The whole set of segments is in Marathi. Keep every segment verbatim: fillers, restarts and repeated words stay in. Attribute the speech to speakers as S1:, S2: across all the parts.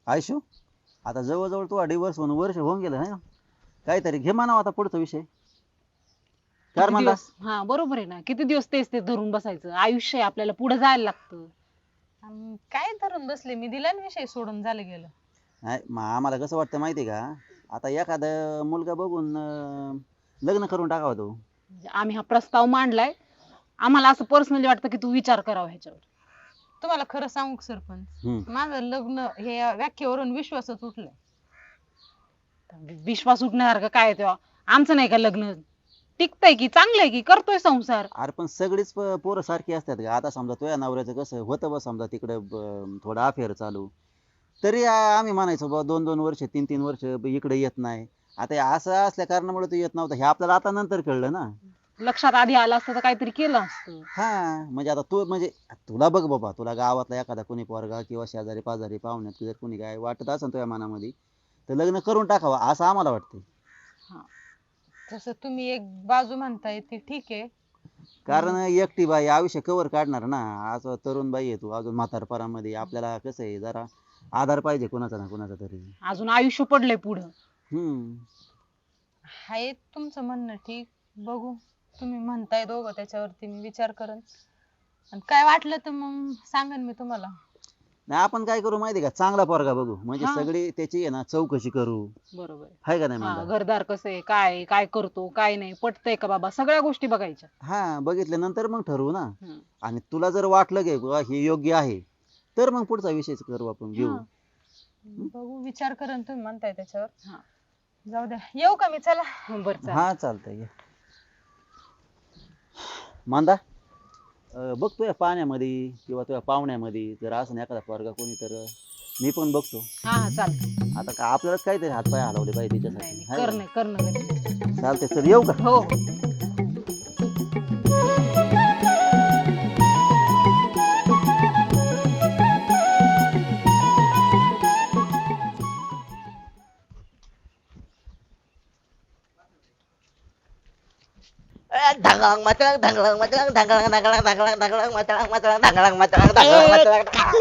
S1: आयशू आता जवळजवळ तू डिवोर्स होऊन वर्ष होऊन गेलं आहे ना, काहीतरी घे म्हणावं आता पुढचा विषय. कार
S2: किती
S1: म्हणला
S2: दिवस हा बरोबर आहे ना, किती दिवस तेच ते धरून बसायचं. आयुष्य आहे आपल्याला, पुढे जायला लागतं.
S3: अन काय धरून बसले, मी दिला ना विषय सोडून, झालं गेलं.
S1: नाही मग आम्हाला कसं वाटतं माहिती का, आता एखादा मुलगा बघून अं, लग्न करून टाकावा तो.
S2: म्हणजे आम्ही हा प्रस्ताव मांडलाय, आम्हाला असं पर्सनली वाटतं की तू विचार करावा ह्याच्यावर.
S3: तुम्हाला खरं सांगू का सरपंच,
S1: हम्म.
S3: माझं लग्न हे व्याख्येवरून विश्वासच उठलाय.
S2: विश्वास उठण्यासारखं काय आहे तेव्हा? आमचं नाही का लग्न टिकतंय की चांगलंय की करतोय संसार.
S1: अरे पण सगळीच प- पोरं सारखी असतात का? आता समजा तुझ्या नवऱ्याचं कसं होतं बा, समजा तिकडे थोडं अफेअर चालू, तरी आ- आम्ही म्हणायचो बा दोन दोन वर्ष तीन तीन वर्ष ब- इकडे येत नाही. आता हे असं असल्या कारणामुळे तो येत नव्हता, हे आपल्याला आता नंतर कळलं ना.
S2: लक्षात आधी आलं असतं तर काहीतरी केलं असतं.
S1: हा म्हणजे आता तू म्हणजे तुला बघ बाबा, तुला गावातला एखादा कोणी पोरगा किंवा शेजारी पाजारी पाहुण्यात जर कोणी काय वाटत असेल तुझ्या मनामध्ये, तर लग्न करून टाकावं असं आम्हाला वाटतं.
S2: हा
S3: जसं तुम्ही एक बाजू म्हणताय ती ठीक आहे.
S1: कारण एकटी बाई आयुष्य कवर काढणार ना. आज तरुण बाई आहे तू, अजून म्हातारपणामध्ये आपल्याला कसं आहे जरा आधार पाहिजे कोणाचा ना कोणाचा तरी.
S2: अजून आयुष्य पडलंय पुढं.
S1: हम्म.
S3: हाय तुमचं म्हणणं ठीक, बघू तुम्ही म्हणताय दोघं, त्याच्यावरती मी विचार करन. आणि काय वाटलं तर मग सांगन मी तुम्हाला.
S1: नाही आपण काय करू माहिती का, चांगला पोरगा बघू, म्हणजे
S2: हा.
S1: सगळी त्याची आहे ना चौकशी करू.
S2: बरोबर आहे.
S1: हाय का नाही
S2: हा
S1: म्हणता?
S2: घरदार कसं आहे, काय आहे, काय करतो काय नाही, पटतंय का बाबा, सगळ्या गोष्टी बघायच्या.
S1: हा बघितल्यानंतर मग ठरवू ना.
S2: हम्म.
S1: आणि तुला जर वाटलं की बुवा हे योग्य आहे, तर मग पुढचा विषय करू आपण, घेऊ.
S2: हा.
S3: बघू विचार करन तुम्ही म्हणताय त्याच्यावर.
S2: हा.
S3: जाऊ द्या, येऊ का मी, चला.
S2: बरं चालेल.
S1: हा चालतंय ये. मांदा अं, बघ तुझ्या पाण्यामध्ये किंवा तुझ्या पाहुण्यामध्ये जर असं एखादा पोरगा कोणी, तर मी पण बघतो.
S2: हा हा चालतंय.
S1: आता का आपल्यालाच काहीतरी हातपाय हलवले पाहिजे
S2: नाही
S1: त्याच्यासाठी,
S2: नाही,
S1: हाय का?
S2: करणं करणं गरजेचं.
S1: चालतंय, चल येऊ का?
S2: हो.
S4: ढंगळंग मचळंग ढंगळंग मचळंग ढंगळंग ढंगळंग ढंगळंग ढंगळंग मचळंग मचळंग ढंगळंग मचळंग ढंगळंग मचळंग.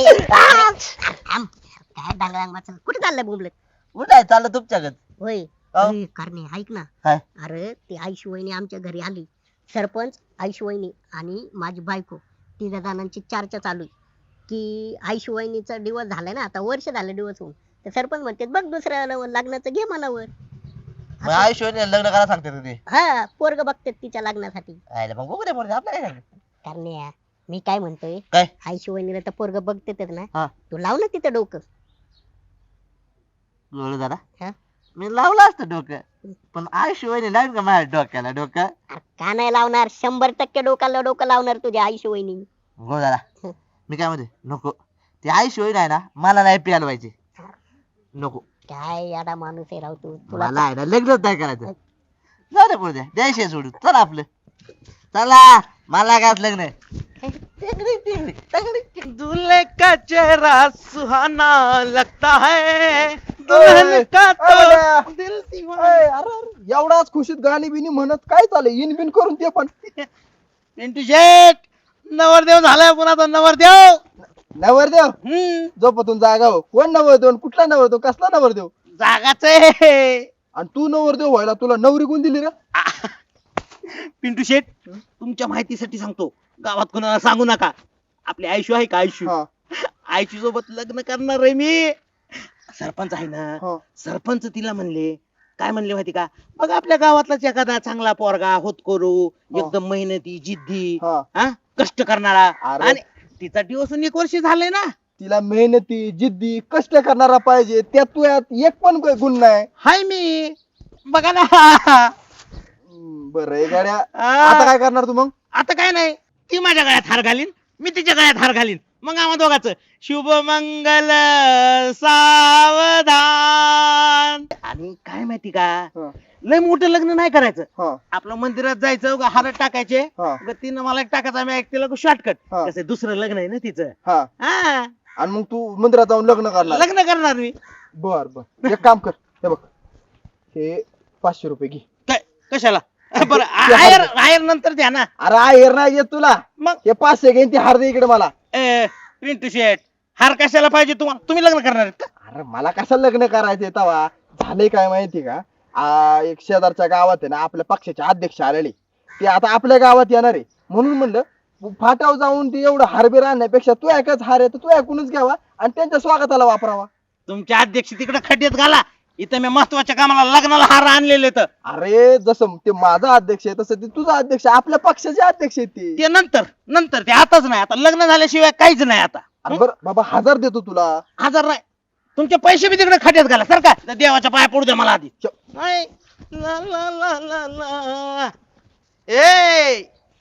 S5: काय डांगळांग वाचन कुठे चाललंय बोंबलत?
S4: कुठं आहे चाललं तुमच्याकडे?
S5: होय
S4: अहो.
S5: अरे करणे ऐक ना.
S4: काय?
S5: अरे ती आईशी वहिनी आमच्या घरी आली. सरपंच, आईशी वहिनी आणि माझी बायको, तिघा जणांची चर्चा चालू आहे की आईशी वहिनीचा डिवोर्स झालाय ना, आता वर्ष झालं डिवोर्स होऊन. तर सरपंच म्हणते बघ दुसऱ्या लग्नाचं घे मनावर.
S4: मग आयुष्याने लग्न करा सांगते तुम्ही?
S5: हा पोरग बघतात तिच्या लग्नासाठी.
S4: आयला मग बघू दे पोरं, आपलं काय झालं?
S5: करणे मी काय म्हणतोय,
S4: काय?
S5: आईशी वहिनीला तर पोरग बघतेच ना,
S4: हा.
S5: तू लाव ना तिथं डोकं.
S4: बोलू जरा.
S5: हा?
S4: मी लावलं असतं डोकं, पण आयुष्यवाणी लावून का माझ्या डोक्याला डोकं?
S5: अरे का नाही लावणार, शंभर टक्के डोकाला डोकं लावणार तुझ्या आईशी वहिनी.
S4: हो जरा. मी काय म्हणते, नको ते आयुष्यवाणी आहे ना, मला नाही प्यायला पाहिजे. नको,
S5: काय याडा माणूस आहे राव तू. तुला
S4: मला आहे ना लग्नच नाही करायचं. जाऊ दे पुढे, द्यायचे सोडून, चला आपलं, चला. मला काय लग्न आहे.
S6: दूल्हे का चेहरा सुहाना लगता है, दुल्हन का तो दिल दीवाना.
S7: अरे एवढाच खुशीत गाणी बिनी म्हणत काय चाललंय, इन बिन करून ते पण.
S6: पिंटू शेठ, नवरदेव झालाय पुन्हा तो नवरदेव.
S7: नवरदेव
S6: हम्म,
S7: झोपतून जागा हो. कोण नवरदेव आणि कुठला नवरदेव, कसला नवरदेव?
S6: जागाच आहे.
S7: आणि तू नवरदेव व्हायला तुला नवरी कोण दिली रे?
S6: पिंटू शेठ, तुमच्या माहितीसाठी सांगतो, गावात कोणाला सांगू नका. आपली आयशू आहे का, आयशू,
S7: हा,
S6: आयशू सोबत लग्न करणार आहे मी. सरपंच आहे ना,
S7: हा.
S6: सरपंच तिला म्हणले, काय म्हणले माहिती का, बघ आपल्या गावातलाच एखादा चांगला पोरगा होत करू,
S7: हा.
S6: एकदम मेहनती जिद्दी,
S7: हा.
S6: हा कष्ट करणारा.
S7: अरे.
S6: आणि तिचा दिवस एक वर्ष झालंय ना.
S7: तिला मेहनती जिद्दी कष्ट करणारा पाहिजे, त्यात तू यात एक पण गुण नाही.
S6: हाय मी, बघा ना.
S7: हम्म, बरं आहे गाड्या. आता
S6: आ,
S7: काय करणार तू मग?
S6: आता काय नाही, ती माझ्या गळ्यात हार घालीन, मी तिच्या गळ्यात हार घालीन, मग आम्हा दोघांचं शुभ मंगल सावधान. आणि काय माहिती का,
S7: हा,
S6: लय मोठं लग्न नाही करायचं.
S7: हा,
S6: आपलं मंदिरात जायचं, उगा हार टाकायचे,
S7: हा,
S6: उगा तिनं मला एक टाकायचा, मी एक तिला शॉर्टकट.
S7: हा.
S6: कसं दुसरं लग्न आहे ना तिचं.
S7: हा.
S6: हा,
S7: आणि मग तू मंदिरात जाऊन लग्न करणार?
S6: लग्न करणार मी.
S7: बर बर, एक काम कर, हे बघ, हे पाचशे रुपये घे.
S6: काय कशाला? बरं आयर आयर नंतर द्या ना.
S7: अरे आहेर नाही येत तुला,
S6: मग
S7: हे पाचशे घेईन ती हार दे इकडे मला.
S6: ए, पिंटू शेठ, हार कशाला पाहिजे तुम्हाला? तुम्ही लग्न करणार आहेत का?
S7: अरे मला कसं लग्न करायचंय तवा झाले काय माहिती का आ, एक शेजारच्या गावात आहे ना आपल्या पक्षाचे अध्यक्ष आलेले ते आता आपल्या गावात येणार आहे म्हणून म्हणलं फाटाव जाऊन ते एवढं हारबीर आणण्यापेक्षा तू ऐकच हार आहे तर तू ऐकूनच घ्यावा आणि त्यांच्या स्वागताला वापरावा.
S6: तुमचे अध्यक्ष तिकडे खड्ड्यात घाला, इथं मी महत्वाच्या कामाला लग्नाला हार आणलेले तर
S7: अरे जसं ते माझा अध्यक्ष आहे तसं ते तुझा अध्यक्ष आहे, आपल्या पक्षाचे अध्यक्ष आहे ते.
S6: ते नंतर नंतर ते आताच नाही, आता लग्न झाल्याशिवाय काहीच नाही आता.
S7: अरे बरं बाबा हजार देतो तुला.
S6: हजार नाही, तुमचे पैसे बी तिकडे खड्ड्यात घाला सर का, देवाच्या पाया पडू द्या मला आधी. नाही. ला ला ला ला ला. ए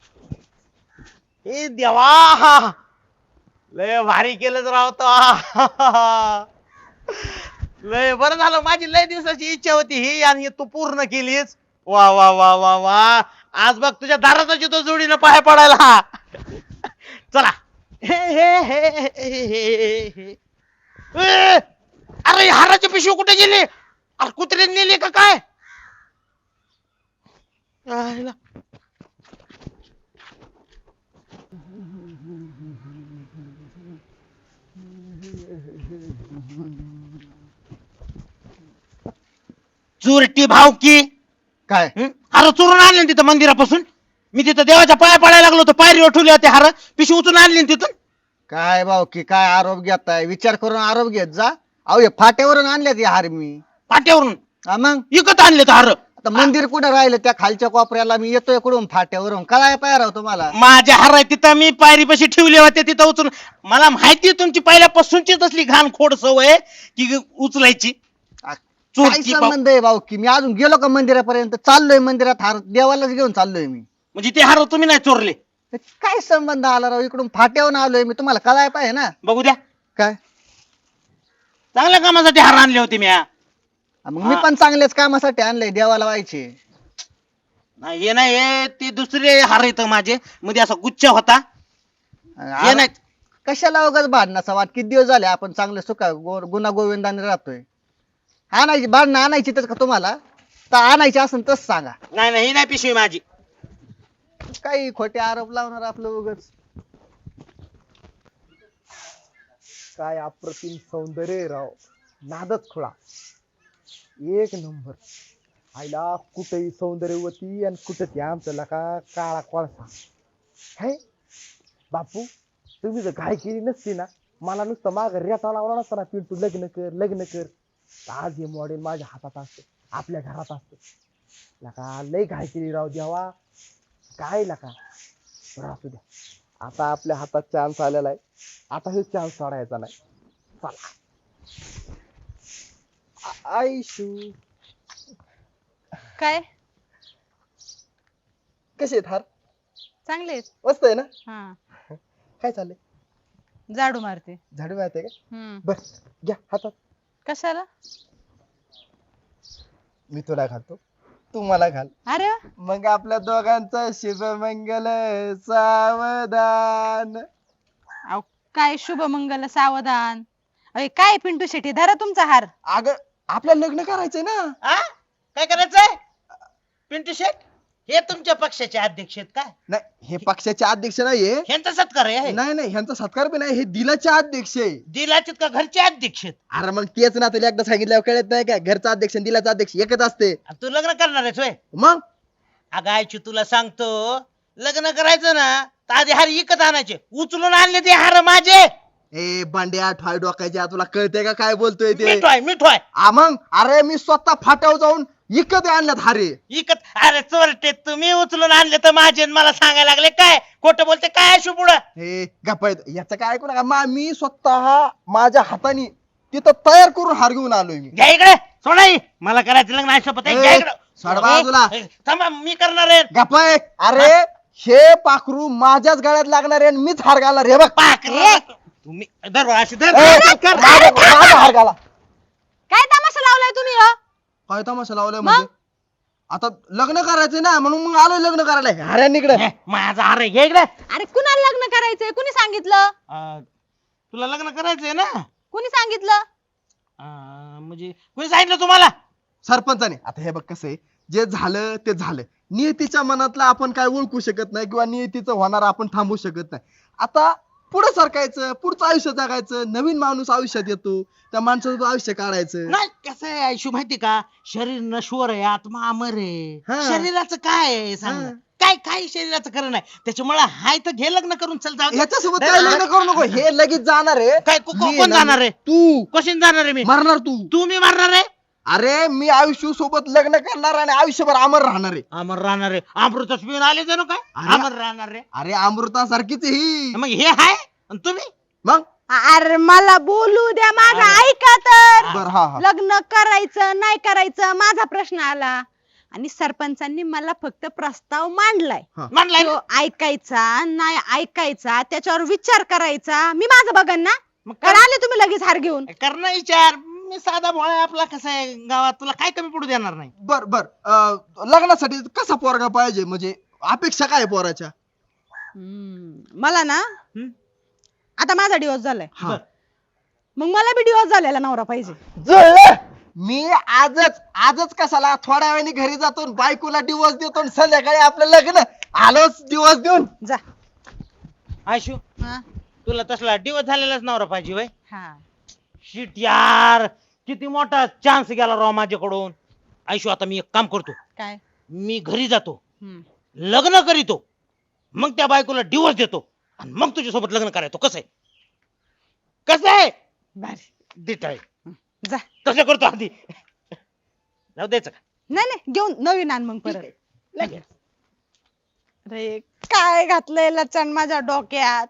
S6: ए देवा, लय भारी केलं राव तो. लय बरं झालं, माझी लय दिवसाची इच्छा होती ही आणि तू पूर्ण केलीस. वा वा वा वा वा, आज बघ तुझ्या दाराचा तो जोडीनं पाया पडायला. चला. हे हे हे हे हे हे. ए, अरे हाराची पिशवी कुठे गेली? अरे कुत्रे नेली का काय? आयला. चोरटी भावकी
S7: काय
S6: हं? हार चोरून आणले ना तिथं मंदिरापासून. मी तिथं देवाच्या पाया पडायला लागलो होतो, पायरीवर ठेवले होते हार, पिशवी उचलून आणली ना तिथून.
S7: काय भाऊ की काय आरोप घेताय? विचार करून आरोप घेत जा. अहो हे फाट्यावरून आणल्यात हे हार मी.
S6: पाट्यावरून
S7: हा मग
S6: विकत आणले हार.
S7: आता मंदिर कुठं राहिलं त्या खालच्या कोपऱ्याला मी येतोय कुठून फाट्यावरून काय पाय राव तुम्हाला.
S6: माझ्या हार आहे तिथं मी पायरीपाशी ठेवले होते तिथं उचलून. मला माहिती आहे तुमची पहिल्यापासूनची तसली घाण खोड सवय की उचलायची.
S7: काय
S6: चोरटी भाव-
S7: संबंध आहे भाऊ की मी अजून गेलो का मंदिरापर्यंत? चाललोय मंदिरात हार देवालाच घेऊन चाललोय मी.
S6: म्हणजे ते हार तुम्ही नाही चोरले?
S7: ते काय संबंध आला राव? इकडून फाट्यावरून आलोय मी, तुम्हाला कळाय पाहिजे ना.
S6: बघू द्या,
S7: काय
S6: चांगल्या कामासाठी हार आणले होते मी. हा.
S7: मग मी पण चांगल्याच कामासाठी आणलंय, देवाला व्हायचे.
S6: नाही हे नाही, हे ते दुसरे हार येत माझे मध्ये असा गुच्छ होता. हे नाही.
S7: कशाला उगाच भांडणाचा वाट? किती दिवस झाले आपण चांगले सुखा गो- गुना गोविंदाने राहतोय. आणायची भांडणं आणायची तर का तुम्हाला? तर आणायची असेल तस सांगा.
S6: नाही नाही, ही नाही पिशवी माझी.
S7: काही खोटे आरोप लावणार आपलं उगाच. काय अप्रतिम सौंदर्य राव, नादच खुळा एक नंबर. आईला कुठेही सौंदर्यवती आणि कुठे ती आमच्या लका काळा कोळसा. हे बापू, तुम्ही जर घाई केली नसती ना, मला नुसतं माग रेटा लावला नसता ना, पिंटू लग्न कर लग्न कर, आज हे मॉडेल माझ्या हातात असतं, आपल्या घरात असतं. लका लय घाई केली राव देवा. काय लका बरं असू द्या, आता आपल्या हातात चान्स आलेला आहे, आता हे चान्स सोडायचा नाही. चला आ- आयशू
S3: काय
S7: कसे आहेत हार?
S3: चांगले आहेत.
S7: मस्त आहे ना.
S3: हा,
S7: काय चाललंय?
S3: झाडू मारते.
S7: झाडू मारते का?
S3: हम्म.
S7: बर घ्या हातात.
S3: कशाला?
S7: मी तुला घालतो, तू मला घाल.
S3: अरे वा.
S7: मग आपल्या दोघांचा शुभमंगल सावधान.
S3: अहो, काय शुभ मंगल सावधान. अरे काय पिंटू शेट्टी, धरा तुमचा हार.
S7: अग आपल्याला लग्न करायचंय ना.
S6: आ? काय करायचंय? पिंटू शेट हे तुमच्या पक्षाचे अध्यक्ष आहेत काय?
S7: नाही हे पक्षाचे अध्यक्ष नाहीये.
S6: ह्यांचा सत्कार आहे?
S7: नाही नाही ह्यांचा सत्कार बी नाही, हे दिलाचे अध्यक्ष आहे.
S6: दिलाचे का घरचे अध्यक्ष आहेत?
S7: अरे मग तेच ना, तुला एकदा सांगितल्यावर कळत नाही का? घरचा अध्यक्ष आणि दिलाचा अध्यक्ष एकच असते.
S6: आणि तू लग्न करणार आहेस होय?
S7: मग
S6: अगं आयची तुला सांगतो, लग्न करायचं ना तर आधी हार विकत आणायचे. उचलून आणले ते हार माझे.
S7: ए बांड्या ठॉय डोकायच्या, तुला कळतंय का काय बोलतोय ते?
S6: मिठवाय मिठवाय
S7: आ मग अरे मी स्वतः फाट्यावर जाऊन इकत आणल्यात हारे.
S6: विकत. अरे चोरटे, तुम्ही उचलून आणले तर माझे आणि मला सांगायला लागले काय खोटं बोलते काय अशू पुढं.
S7: हे गप्प याचं काय ऐकू नका. मा- मी स्वतः माझ्या हाताने तिथं तयार करून हार घेऊन आलोय मी.
S6: घ्या इकडे सोडाई, मला करायचं लग्न आहे शपथ आहे.
S7: ए,
S6: घ्या इकडे.
S7: सोड बाजूला.
S6: ए, थांबा मी करणार आहे.
S7: गप्प आहे. अरे हे पाखरू माझ्याच गळ्यात लागणार आहे आणि मीच हार घालणार हे बघ.
S6: पाकरा. तुम्ही धर बा, अशी धर.
S7: ए,
S6: कर.
S7: माझा माझा हार घाला.
S3: काय तमाशा लावलाय तुम्ही हो?
S7: काय तमाशा लावलाय म्हणजे? आता लग्न करायचंय ना म्हणून मग आलोय लग्न करायला. हाऱ्यान इकडे
S6: हे, माझा हार आहे, घे इकडे.
S3: अरे कुणाला लग्न करायचंय? कुणी सांगितलं?
S6: अं, तुला लग्न करायचंय ना?
S3: कुणी सांगितलं?
S6: अं, म्हणजे कोणी सांगितलं तुम्हाला?
S7: सरपंचाने. आता हे बघ कसं आहे, जे झालं ते झालं. नियतीच्या मनातलं आपण काय ओळखू शकत नाही किंवा नियतीचं होणार आपण थांबवू शकत नाही. आता पुढे सरकायचं, पुढचं आयुष्य जगायचं, नवीन माणूस आयुष्यात येतो, त्या माणसाचं आयुष्य काढायचं.
S4: नाही कसं आहे आयुष्य माहिती का, शरीर नश्वर आहे आत्मा अमर आहे.
S7: हा.
S4: शरीराचं काय आहे सांग ना?
S7: हा.
S4: काय काय शरीराचं खरं नाही, त्याच्यामुळे हाय तर घे लग्न करून चल जाऊ दे.
S7: ह्याच्यासोबत
S4: नाही,
S7: काय
S4: नाही.
S7: लग्न करू नको, हे लगेच जाणार आहे.
S4: काय को- को-
S7: मी
S4: कोण
S7: ना-
S4: जाणार आहे?
S7: तू
S4: कशी जाणार आहे मी?
S7: मरणार तू.
S4: तू मी मारणार आहे?
S7: अरे मी आयुष्य सोबत लग्न करणार आणि आयुष्यभर अमर राहणार आहे.
S4: अमर राहणार आहे? अमृतच पिऊन आले जणू काय
S7: अरे.
S4: अमर राहणार रे.
S7: अरे अमृतासारखीच आहे ही.
S4: मग हे हाय आणि तुम्ही
S7: मग
S3: अरे मला बोलू द्या, माझं
S4: अरे.
S3: ऐका तर.
S7: बर हा हा
S3: लग्न करायचं नाही करायचं माझा प्रश्न आला आणि सरपंचांनी मला फक्त प्रस्ताव मांडलाय.
S4: म्हणलाय
S3: तो ऐकायचा नाही ऐकायचा त्याच्यावर विचार करायचा, मी माझं बघन ना.
S4: मग
S3: कारण आले तुम्ही लगेच हार घेऊन.
S4: कर ना विचार. मी साधा भोळा आपला कसा आहे गावात, तुला काय कमी पडू देणार नाही.
S7: बर बर अं, लग्नासाठी कसा पोरगा पाहिजे, म्हणजे अपेक्षा काय आहे पोराच्या?
S3: हम्म, मला ना
S4: हम्म?
S3: आता माझा डिवोर्स झालाय,
S7: हा.
S3: मग मला बी डिवोर्स झालेला नवरा पाहिजे.
S7: जुळलं. मी आजच आजच कशाला थोड्या वेळाने घरी जातो आणि बायकोला डिवोर्स देतो आणि संध्याकाळी आपलं लग्न आलोच डिवोर्स देऊन.
S3: जा.
S4: आयशू
S3: हा
S4: तुला तसला दिवस झालेलाच नवरा पाहिजे वय.
S3: हा
S4: शिट यार, किती मोठा चान्स गेला राव माझ्याकडून. आयशू आता मी एक काम करतो,
S3: काय.
S4: मी घरी जातो,
S3: हम्म.
S4: लग्न करीतो, मग त्या बायकोला डिवोर्स देतो आणि मग तुझ्यासोबत लग्न करायचो. कसं आहे? कसं आहे?
S3: भारी.
S4: दिट आहे.
S3: जा.
S4: कसं करतो आधी जाऊ द्यायचं का?
S3: नाही नाही घेऊन नवीन आण मग परत.
S4: लगेच.
S3: अरे काय घातलंय लचण माझ्या डोक्यात.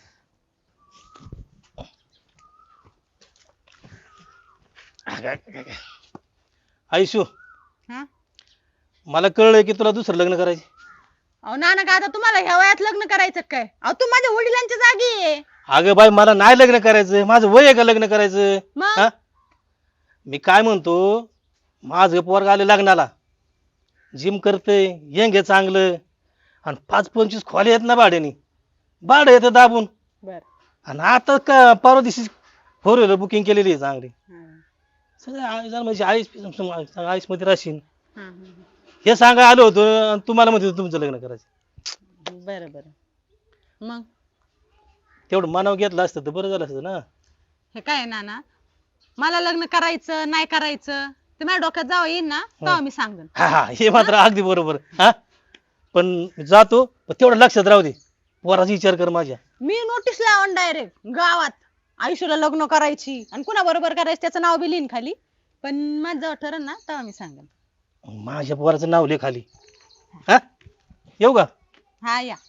S8: आयुष्य
S3: हा?
S8: मला कळलंय की तुला दुसरं लग्न करायचं.
S3: अहो नाना का आता तुम्हाला ह्या वयात लग्न करायचं काय? अहो तू माझ्या वडिलांच्या जागी आहे.
S8: अगं बाई मला नाही लग्न करायचं, माझं वय आहे का लग्न करायचं?
S3: मग?
S8: हा? मी काय म्हणतो, माझं पोरग आले लग्नाला, जिम करते, यंग आहे चांगलं, आणि पाच पंचवीस खोले आहेत ना भाड्याने, भाडं येतं दाबून.
S3: बर.
S8: आणि आता का परवा दिवशी फोर व्हीलर बुकिंग केलेली आहे चांगली. सगळं आयुष म्हणजे आयुष आयुष मध्ये राहशील हे सांगा आलो होतो, आणि तुम्हाला म्हणते तुमचं लग्न करायचं.
S3: बर बर. मग
S8: तेवढं मनावर घेतलं असतं तर बरं झालं असतं ना.
S3: हे काय आहे नाना, मला लग्न करायचं नाही करायचं ते माझ्या डोक्यात जावं येईल ना तेव्हा मी सांगेन.
S8: हा हा हे मात्र अगदी बरोबर. हा पण जातो, पण तेवढं लक्षात राहू दे, पोराचा विचार कर माझ्या.
S3: मी नोटीस लावून डायरेक्ट गावात आयुष्याला लग्न करायची आणि कुणा बरोबर करायचं त्याचं नाव बी लिहिन खाली. पण माझं जेव्हा ठरण ना तेव्हा मी सांगेन.
S8: माझ्या पोराचं नाव लिह खाली. हा येऊ का?
S3: हा या.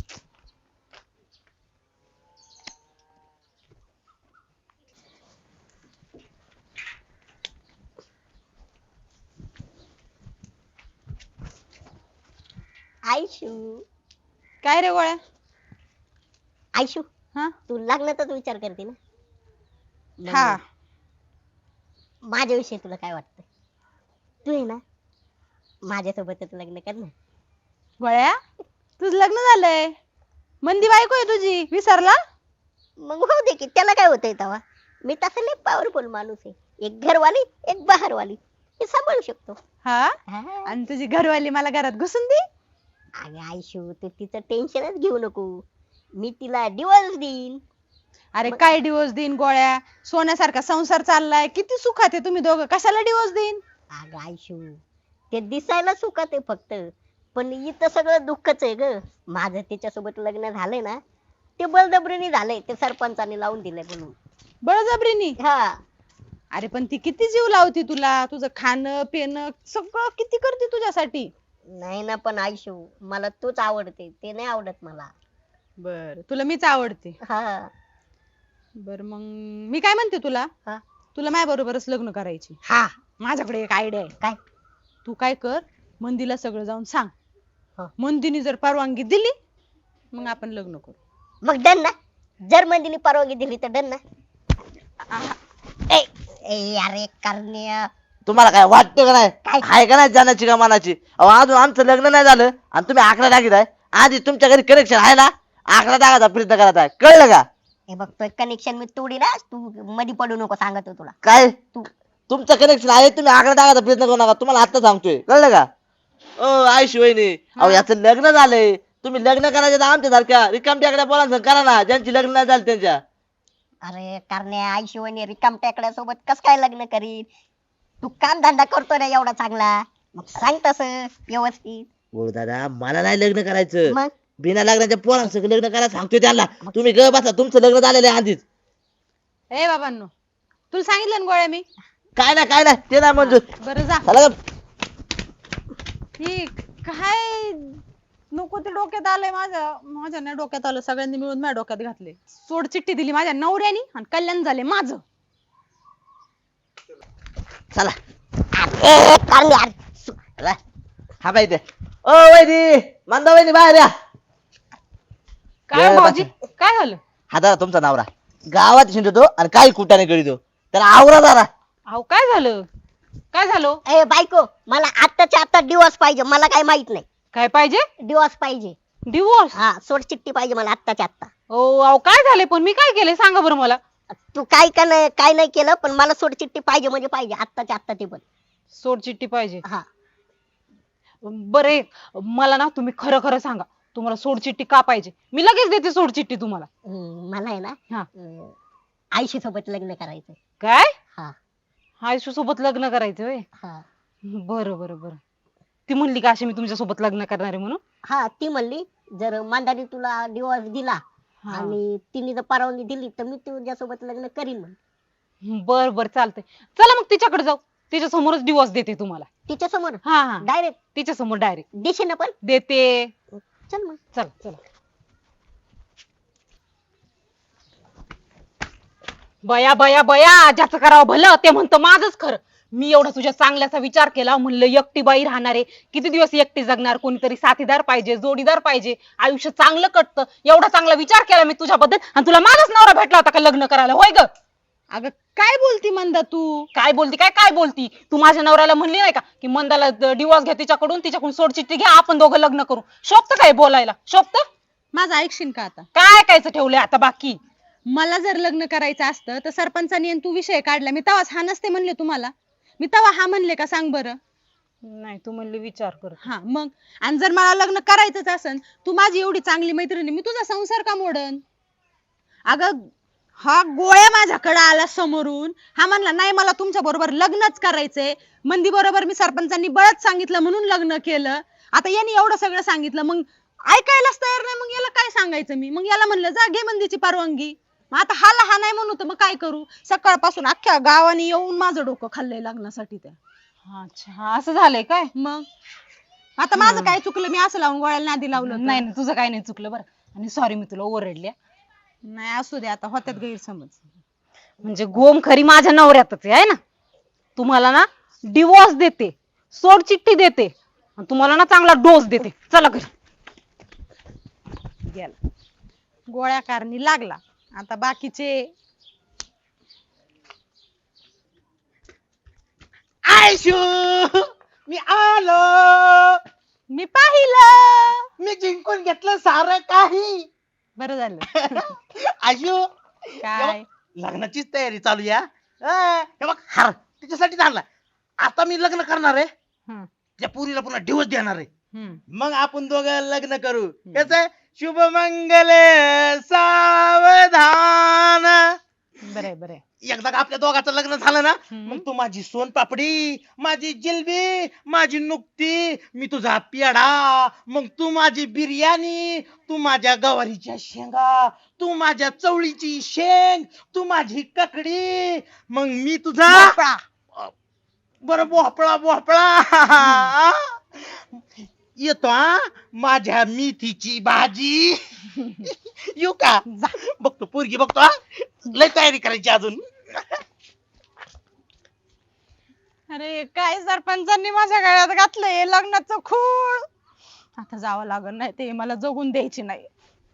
S5: आयशू
S3: काय रे गोळ्या.
S5: आयशू
S3: हा
S5: तू लग्नाचाच विचार करते ना?
S3: हा.
S5: मग माझ्याविषयी तुला काय वाटतं? तू आहे ना माझ्यासोबतच लग्न कर ना.
S3: गोळ्या तुझं लग्न झालंय, मंदी बायको आहे तुझी, विसरला?
S5: मग होऊ दे की, त्याला काय होतंय तेव्हा. मी तसं लय पॉवरफुल माणूस आहे, एक घरवाली एक बाहेरवाली, हे सांभाळू शकतो.
S3: हा.
S5: हा.
S3: आणि तुझी घरवाली मला घरात घुसून दे.
S5: अरे आयशू तू तिचं टेन्शनच घेऊ नको, मी तिला डिवोर्स देईन.
S3: अरे काय डिवोर्स देईन गोळ्या, सोन्यासारखा संसार चाललाय, किती सुखात आहे तुम्ही दोघं, कशाला डिवोर्स देईन?
S5: अगं आयशू ते दिसायला सुखात आहे फक्त, पण इथं सगळं दुःखच आहे ग. माझं तिच्यासोबत लग्न झालंय ना ते बळजबरीने झालंय, ते सरपंचाने लावून दिलंय म्हणून.
S3: बळजबरीनी?
S5: हा.
S3: अरे पण ती किती जीव लावती तुला, तुझं खाणं पिणं सगळं किती करते तुझ्यासाठी.
S5: नाही ना पण आयशू मला तूच आवडते, ते नाही आवडत मला.
S3: बर तुला मीच आवडते.
S5: हा.
S3: बर मग मी काय म्हणते तुला,
S5: हा.
S3: तुला माझ्या बरोबरच लग्न करायची.
S5: हा.
S3: माझ्याकडे एक आयडिया आहे.
S5: काय?
S3: तू काय कर, मंदीला सगळं जाऊन सांग.
S5: हा.
S3: मंदीने जर परवानगी दिली मग आपण लग्न करू.
S5: मग डन ना, जर मंदिनी परवानगी दिली तर डन ना. ए, ए अरे करण्या
S4: तुम्हाला काय वाटतं का नाही?
S5: काय?
S4: आहे का नाही जाण्याची का मनाची? अहो अजून आमचं लग्न नाही झालं आणि तुम्ही आकडा टाकीत आहे. आधी तुमच्या घरी कनेक्शन आहे ना, आकडा टाकायचा प्रयत्न करत आहे, कळलं का?
S5: हे बघ तो कनेक्शन मी तोडी ना, तू मध्ये पडू नको सांगतो तुला.
S4: काय तुमचं कनेक्शन आहे, तुम्ही आकडा टाकायचा प्रयत्न करू नका, तुम्हाला आता सांगतोय, कळलं का? ओ आयशी वहिनी, अहो याचं लग्न झालंय, तुम्ही लग्न करायचे तर आमच्या सारख्या रिकाम टेकड्या पोरांसंग करा ना, ज्यांची लग्न नाही झाली त्यांच्या.
S5: अरे करण्या आईशी वहिनी रिकाम टेकड्यासोबत कस काय लग्न करीन? तू काम धंदा करतो ना एवढा चांगला, मग सांग तसं व्यवस्थित.
S4: बोल दादा, मला नाही लग्न करायचं.
S5: मग
S4: बिना लग्नाच्या पोरांसंग लग्न करायला सांगतोय त्यांना. तुम्ही ग बसा, तुमचं लग्न झालेलं आहे आधीच.
S3: ए बाबांनो, तुला सांगितलं ना गोळ्या मी.
S4: काय ना काय ना ते नाही मंजूर.
S3: बरं जा.
S4: चला ग.
S3: ही काय नको ते डोक्यात आलंय माझ्या माझ्या नाही डोक्यात आलं, सगळ्यांनी मिळून माझ्या डोक्यात घातले. सोड चिठ्ठी दिली माझ्या नवऱ्यानी आणि कल्याण झाले माझं.
S4: चला
S5: ए, करण्या
S4: चला. हा बाई ते ओ वैदी, मंदा वैदी बाहेर या.
S3: काय
S4: ए,
S3: भाऊजी काय झालं?
S4: हा दादा तुमचा नवरा गावात शिंदतो आणि काही कुटाने करीतो, तर आवरा दादा.
S3: अहो काय झालं? काय झालं?
S5: ए बायको, मला आत्ताच्या आत्ता डिवोर्स पाहिजे. मला काय माहित नाही.
S3: काय पाहिजे?
S5: डिवोर्स पाहिजे.
S3: डिवोर्स?
S5: हा, सोड चिठ्ठी पाहिजे मला आत्ताच्या आत्ता.
S3: ओ अहो काय झाले पण? मी काय केले सांगा बरं मला.
S5: तू काय का नाही काय नाही केलं, पण मला सोड चिठ्ठी पाहिजे म्हणजे पाहिजे आत्ताच्या आत्ता ते पण.
S3: सोड चिठ्ठी पाहिजे.
S5: हा,
S3: बरे मला ना तुम्ही खरं खरं सांगा, तुम्हाला सोड चिठ्ठी का पाहिजे? मी लगेच देते सोड चिठ्ठी तुम्हाला.
S5: हम्म, मला आहे ना
S3: हा.
S5: अं, आईशी सोबत लग्न करायचं.
S3: काय?
S5: हा
S3: आयुष्य सोबत लग्न करायचं व्हय?
S5: हा
S3: बरं बरं बरं. ती म्हणली का अशी मी तुमच्या सोबत लग्न करणार आहे म्हणून?
S5: हा, ती म्हणली जर मांदाने तुला डिवोर्स दिला
S3: हा.
S5: आणि तिने जर परवानगी दिली तर मी तुझ्यासोबत लग्न करीन म्हण.
S3: बर बर चालतंय. चला मग तिच्याकडे जाऊ, तिच्या समोरच डिवोर्स देते तुम्हाला.
S5: तिच्या समोर
S3: हा हा
S5: डायरेक्ट
S3: तिच्या समोर डायरेक्ट
S5: दिशेने पण.
S3: देते.
S5: चल मग.
S3: चला चला. बया बया बया, ज्याचं करावं भलं ते म्हणतं माझंच खरं. मी एवढा तुझ्या चांगल्याचा विचार केला, म्हणलं एकटी बाई राहणार आहे, किती दिवस एकटी जगणार, कोणीतरी साथीदार पाहिजे, जोडीदार पाहिजे, आयुष्य चांगलं कटतं, एवढा चांगला विचार केला मी तुझ्याबद्दल, आणि तुला माझाच नवरा भेटला होता का लग्न करायला? होय ग?
S2: अगं काय बोलती मंदा तू?
S3: काय बोलती काय काय बोलती तू? माझ्या नवऱ्याला म्हणली नाही का की मंदाला डिवोर्स घ्या तिच्याकडून, तिच्याकडून सोड चिठ्ठी घ्या, आपण दोघं लग्न करू. शोभतं काय बोलायला? शोभतं?
S2: माझं ऐकशील का आता?
S3: काय ऐकायचं ठेवलंय आता बाकी?
S2: मला जर लग्न करायचं असतं तर सरपंचानी आणि तू विषय काढला, मी तेव्हाच हा नसते म्हणले तुम्हाला? मी तेव्हा हा म्हणले का सांग बरं?
S3: नाही, तू म्हणली विचार कर.
S2: हा मग, आणि जर मला लग्न करायचंच असन, तू माझी एवढी चांगली मैत्रिणी, मी तुझा संसार का मोडन? अगं हा गोळ्या माझ्याकडे आला समोरून, हा म्हणला नाही मला तुमच्या बरोबर लग्नच करायचंय. मंदी बरोबर मी सरपंचांनी बळच सांगितलं म्हणून लग्न केलं. आता यांनी एवढं सगळं सांगितलं, मग ऐकायलाच तयार नाही, मग याला काय सांगायचं मी? मग याला म्हणलं जा घे मंदीची परवानगी. मग आता हाला हा नाही म्हणू तर मग काय करू? सकाळपासून अख्ख्या गावाने येऊन माझं डोकं खाल्लंय लग्नासाठी त्या.
S3: अच्छा, असं झालंय काय?
S2: मग आता माझं काय चुकलं? मी असं लावून गोळ्याला नादी लावलं होतं?
S3: नाही नाही, तुझं काय नाही चुकलं बरं. आणि सॉरी मी तुला ओरडल्या.
S2: नाही असू दे, आता होत्यात गैरसमज.
S3: म्हणजे गोम खरी माझ्या नवऱ्यातच आहे ना. तुम्हाला ना डिवोर्स देते, सोड चिठ्ठी देते, आणि तुम्हाला ना चांगला डोस देते. चला घरी.
S2: गेला गोळ्या कारणी लागला. आता बाकीचे
S6: आयशू, मी आलो,
S2: मी पाहिलं.
S6: मी जिंकून घेतलं सारं काही.
S2: बरं झालं.
S6: आयशू,
S2: काय?
S6: लग्नाचीच तयारी चालू या. हे बघ हार तिच्यासाठी आणला. आता मी लग्न करणार आहे,
S2: हम्म,
S6: त्या पुरीला पुन्हा डिवोर्स देणार आहे.
S2: हम्म.
S6: मग आपण दोघं लग्न करू. कस शुभ मंगल सावधान.
S2: बरंय बरंय.
S6: एकदा का आपल्या दोघांचं लग्न झालं ना,
S2: हम्म.
S6: मग तू माझी सोनपापडी, माझी जिलबी, माझी नुकती, मी तुझा पेढा, मग तू माझी बिर्याणी, तू माझ्या गवारीच्या शेंगा, तू माझ्या चवळीची शेंग, तू माझी ककडी, मग मी तुझा
S2: भोपळा.
S6: बरं भोपळा भोपळा येतो हा, माझ्या मेथीची भाजी. येऊ का? बघतो पोरगी बघतो हा. लय तयारी करायची अजून.
S2: अरे काय सरपंचांनी माझ्या गळ्यात घातलंय लग्नाचं खूळ. आता जावं लागल, नाही ते मला जगून द्यायची नाही.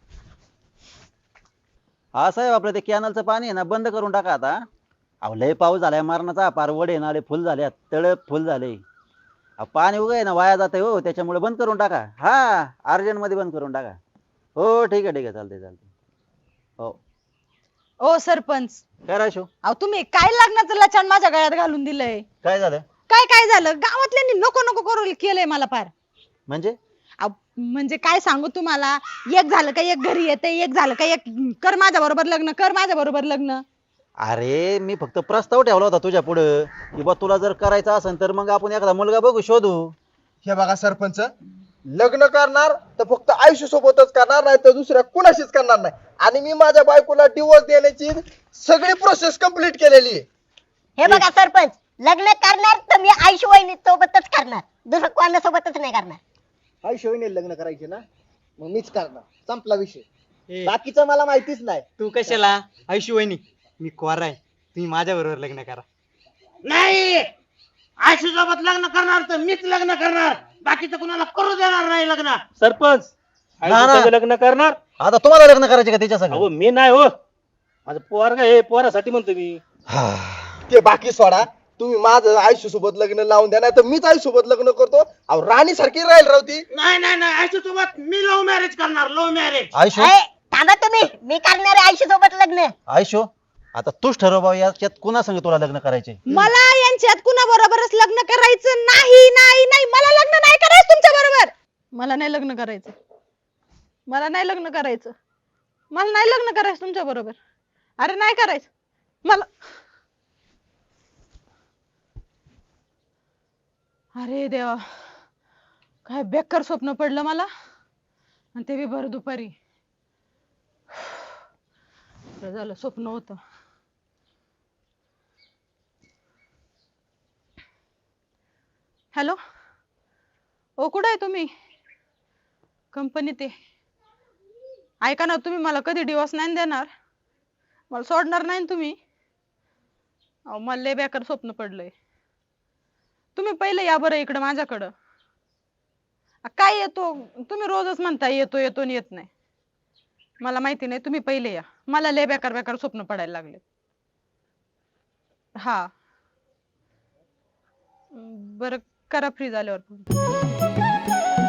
S1: हा साहेब, आपलं ते कॅनलचं पाणी आहे ना बंद करून टाका आता. अहो लय पाऊस झालाय मरणाचा, पार वडे नाले फुल झाल्यात, तळ फुल झाले. अहो, पाणी उगाय ना वाया जातंय हो, त्याच्यामुळे बंद करून टाका. हा, अर्जंट मध्ये बंद करून टाका. हो ठीक आहे ठीक आहे, चालतंय चालतंय. हो
S2: ओ सरपंच,
S1: काय राशो,
S2: अहो तुम्ही काय लग्नाचं लचाण माझ्या गळ्यात घालून दिलंय?
S1: काय झालं?
S2: काय काय झालं? गावातल्यांनी नको नको करू केलंय मला फार.
S1: म्हणजे
S2: अहो म्हणजे काय सांगू तुम्हाला, एक झालं का एक घरी येते, एक झालं का एक कर माझ्या बरोबर लग्न, कर माझ्या बरोबर लग्न.
S1: अरे मी फक्त प्रस्ताव ठेवला होता तुझ्या पुढं की बा तुला जर करायचं असेल तर मग आपण एखादा मुलगा बघू शोधू.
S7: हे बघा सरपंच, लग्न करणार तर फक्त आयुष्य सोबतच करणार, नाही तर दुसऱ्या कुणाशीच करणार नाही. आणि मी माझ्या बायकोला डिवोर्स देण्याची सगळी प्रोसेस कम्प्लीट केलेली आहे.
S5: हे बघा सरपंच, लग्न करणार तर मी आयुष्य वहिनी सोबतच करणार, दुसरं कोणासोबतच नाही करणार.
S7: आयुष्य लग्न करायचे ना, मग मीच करणार, संपला विषय. बाकीचं मला माहितीच नाही.
S9: तू कशाला आयुष्य वहिनी, मी कोरा आहे, तुम्ही माझ्या बरोबर लग्न करा.
S6: नाही, आयशी सोबत लग्न करणार तर मीच लग्न करणार, बाकीचं कुणाला करू देणार नाही लग्न.
S8: सरपंच
S1: ना.
S8: आयुष्याचं लग्न करणार?
S1: आता तुम्हाला लग्न करायचे का त्याच्या
S8: अहो
S1: सगळं?
S8: मी नाही हो, माझं पोरगा हे पोरासाठी म्हणतो मी.
S7: ते बाकी सोडा, तुम्ही माझं आयुष्य सोबत लग्न लावून द्या, नाही तर मीच आयुष्य सोबत लग्न करतो. अहो राणी सारखी राहील रावती.
S6: नाही नाही नाही, आयशी सोबत मी लव्ह मॅरेज करणार, लव्ह मॅरेज.
S1: आयुष्य
S5: ए, थांबा तुम्ही, मी करणार आहे आयुष्य सोबत लग्न.
S1: आयुष्य आता तूच ठरव बाबा याच्यात कुणा संग तुला लग्न करायचे.
S2: मला यांच्यात कुणा बरोबरच लग्न करायचं नाही. नाही नाही, मला लग्न नाही करायचं तुमच्या बरोबर. मला नाही लग्न करायचं, मला नाही लग्न करायचं, मला नाही लग्न करायचं तुमच्या बरोबर. अरे नाही करायचं मला. अरे देवा, काय बेकार स्वप्न पडलं मला, आणि ते बी भर दुपारी. बरं झालं स्वप्न होतं. हॅलो, ओ कुठे आहे तुम्ही? कंपनीत आहे. ऐका ना, तुम्ही मला कधी डिवोर्स नाही देणार, मला सोडणार नाही ना तुम्ही? अहो मला लय बेकार स्वप्न पडलंय. तुम्ही पहिले या बरं इकडं माझ्याकडं. अ, काय येतो तुम्ही रोजच म्हणता येतो येतो आणि येत नाही. मला माहिती नाही, तुम्ही पहिले या. मला लय बेकार बेकार स्वप्न पडायला लागले. हा बरं, करा फ्री झाल्यावर.